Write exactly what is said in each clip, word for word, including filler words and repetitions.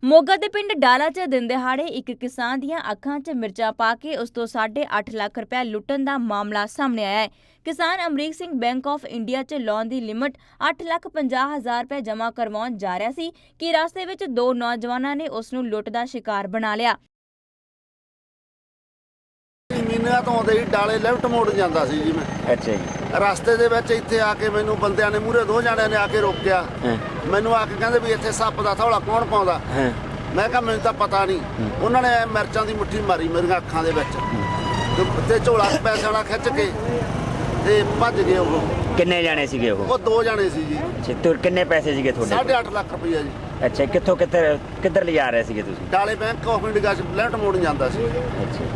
ਮੋਗਾ ਦੇ ਪਿੰਡ ਡਾਲਾ 'ਚ ਦਿਨ ਦਿਹਾੜੇ ਇੱਕ ਕਿਸਾਨ ਦੀਆਂ ਅੱਖਾਂ 'ਚ ਮਿਰਚਾਂ ਪਾ ਕੇ ਉਸ ਤੋਂ ਸਾਢੇ ਅੱਠ ਲੱਖ ਰੁਪਏ ਲੁੱਟਣ ਦਾ ਮਾਮਲਾ ਸਾਹਮਣੇ ਆਇਆ ਹੈ। ਕਿਸਾਨ Amrik Singh bank of India 'ਚ ਲੋਨ ਦੀ ਲਿਮਟ ਅੱਠ ਲੱਖ ਪੰਜਾਹ ਹਜ਼ਾਰ ਰੁਪਏ ਜਮ੍ਹਾਂ ਕਰਵਾਉਣ ਜਾ ਰਿਹਾ ਸੀ ਕਿ ਰਸਤੇ ਵਿੱਚ ਦੋ ਨੌਜਵਾਨਾਂ ਨੇ ਉਸ ਨੂੰ ਲੁੱਟ ਦਾ ਸ਼ਿਕਾਰ ਬਣਾ ਲਿਆ। ਮਹੀਨਿਆਂ ਤੋਂ ਆਉਂਦੇ ਹੀ ਡਾਲੇ ਲੈਫਟ ਮੋੜ ਜਾਂਦਾ ਸੀ ਜੀ ਮੈਂ। ਅੱਛਾ ਜੀ। ਰਸਤੇ ਦੇ ਵਿੱਚ ਇੱਥੇ ਆ ਕੇ ਮੈਨੂੰ ਬੰਦਿਆਂ ਨੇ ਮੂਹਰੇ ਦੋ ਜਣਿਆਂ ਨੇ ਆ ਕੇ ਰੋਕਿਆ। ਮੈਨੂੰ ਆ ਕੇ ਕਹਿੰਦੇ ਵੀ ਇੱਥੇ ਸੱਪ ਦਾ ਥੌਲਾ ਕੌਣ ਪਾਉਂਦਾ। ਮੈਂ ਕਿਹਾ ਮੈਨੂੰ ਤਾਂ ਪਤਾ ਨਹੀਂ। ਉਹਨਾਂ ਨੇ ਮਿਰਚਾਂ ਦੀ ਮੁੱਠੀ ਮਾਰੀ ਮੇਰੀਆਂ ਅੱਖਾਂ ਦੇ ਵਿੱਚ ਤੇ ਝੋਲਾ ਪੈਸੇ ਵਾਲਾ ਖਿੱਚ ਕੇ ਤੇ ਭੱਜ ਗਏ। ਉਹ ਕਿੰਨੇ ਜਾਣੇ ਸੀਗੇ? ਉਹ ਉਹ ਦੋ ਜਣੇ ਸੀ ਜੀ। ਅੱਛਾ, ਤੇ ਕਿੰਨੇ ਪੈਸੇ ਸੀਗੇ ਤੁਹਾਡੇ? ਸਾਢੇ ਅੱਠ ਲੱਖ ਰੁਪਈਆ ਜੀ। ਅੱਛਾ, ਕਿੱਥੋਂ ਕਿੱਧਰ ਕਿੱਧਰ ਲਿਜਾ ਰਹੇ ਸੀਗੇ ਤੁਸੀਂ? ਡਾਲੇ ਬੈਂਕ ਆਫ ਇੰਡੀਆ 'ਚ ਲੈਫਟ ਮੋੜ ਜਾਂਦਾ ਸੀ। ਅੱਛਾ।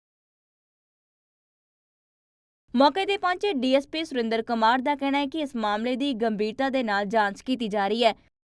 ਮੌਕੇ ਤੇ ਪਹੁੰਚੇ D S P Surinder Kumar ਦਾ ਕਹਿਣਾ ਹੈ ਕਿ ਇਸ ਮਾਮਲੇ ਦੀ ਗੰਭੀਰਤਾ ਦੇ ਨਾਲ ਜਾਂਚ ਕੀਤੀ ਜਾ ਰਹੀ ਹੈ।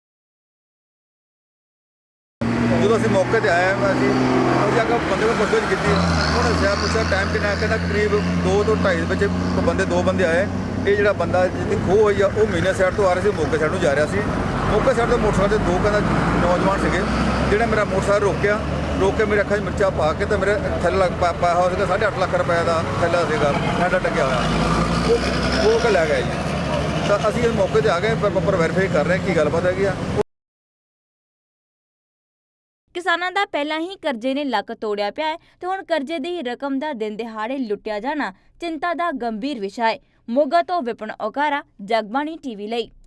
ਜਦੋਂ ਅਸੀਂ ਮੌਕੇ ਤੇ ਆਏ ਹਾਂ ਅਸੀਂ ਉਹ ਜਾ ਕੇ ਬੰਦੇ ਕੋਲ ਪੁੱਛਗਿੱਛ ਕੀਤੀ। ਉਹਨੇ ਦੱਸਿਆ ਪੁੱਛਿਆ ਟਾਈਮ ਕਿੰਨਾ, ਕਹਿੰਦਾ ਕਰੀਬ ਦੋ ਤੋਂ ਢਾਈ ਦੇ ਵਿੱਚ ਬੰਦੇ ਦੋ ਬੰਦੇ ਆਏ। ਇਹ ਜਿਹੜਾ ਬੰਦਾ ਜਿਹਦੀ ਖੋਹ ਹੋਈ ਆ ਉਹ ਮੀਨਾ ਸਾਈਡ ਤੋਂ ਆ ਰਿਹਾ ਸੀ, ਮੋਗੇ ਸਾਈਡ ਨੂੰ ਜਾ ਰਿਹਾ ਸੀ। ਮੋਗੇ ਸਾਈਡ ਤੋਂ ਮੋਟਰਸਾਈਕਲ 'ਤੇ ਦੋ ਕਹਿੰਦਾ ਨੌਜਵਾਨ ਸੀਗੇ ਜਿਹੜੇ ਮੇਰਾ ਮੋਟਰਸਾਈਕਲ ਰੋਕਿਆ। ਰੋਕ ਕੇ ਮੇਰੇ ਅੱਖਾਂ 'ਚ ਮਿਰਚਾਂ ਪਾ ਕੇ ਤੇ ਮੇਰੇ ਥੈਲਾ ਪਾਇਆ ਹੋਇਆ ਸੀਗਾ ਸਾਢੇ ਅੱਠ ਲੱਖ ਰੁਪਏ ਦਾ ਥੈਲਾ ਸੀਗਾ ਹੈਂਡਾ ਟੱਕਿਆ ਹੋਇਆ। ਉਹ ਉਹ ਕੇ ਲੈ ਗਿਆ ਜੀ। ਤਾਂ ਅਸੀਂ ਇਸ ਮੌਕੇ 'ਤੇ ਆ ਗਏ, ਪ੍ਰੋਪਰ ਵੈਰੀਫਾਈ ਕਰ ਰਹੇ ਕੀ ਗੱਲਬਾਤ ਹੈਗੀ ਆ। ਕਿਸਾਨਾਂ ਦਾ ਪਹਿਲਾਂ ਹੀ ਕਰਜ਼ੇ ਨੇ ਲੱਕ ਤੋੜਿਆ ਪਿਆ ਹੈ ਤੇ ਹੁਣ ਕਰਜ਼ੇ ਦੀ ਰਕਮ ਦਾ ਦਿਨ ਦਿਹਾੜੇ ਲੁੱਟਿਆ ਜਾਣਾ ਚਿੰਤਾ ਦਾ ਗੰਭੀਰ ਵਿਸ਼ਾ ਹੈ। ਮੋਗਾ ਤੋਂ ਵਿਪਨ ਓਕਾਰਾ, ਜਗਬਾਣੀ ਟੀਵੀ ਲਈ।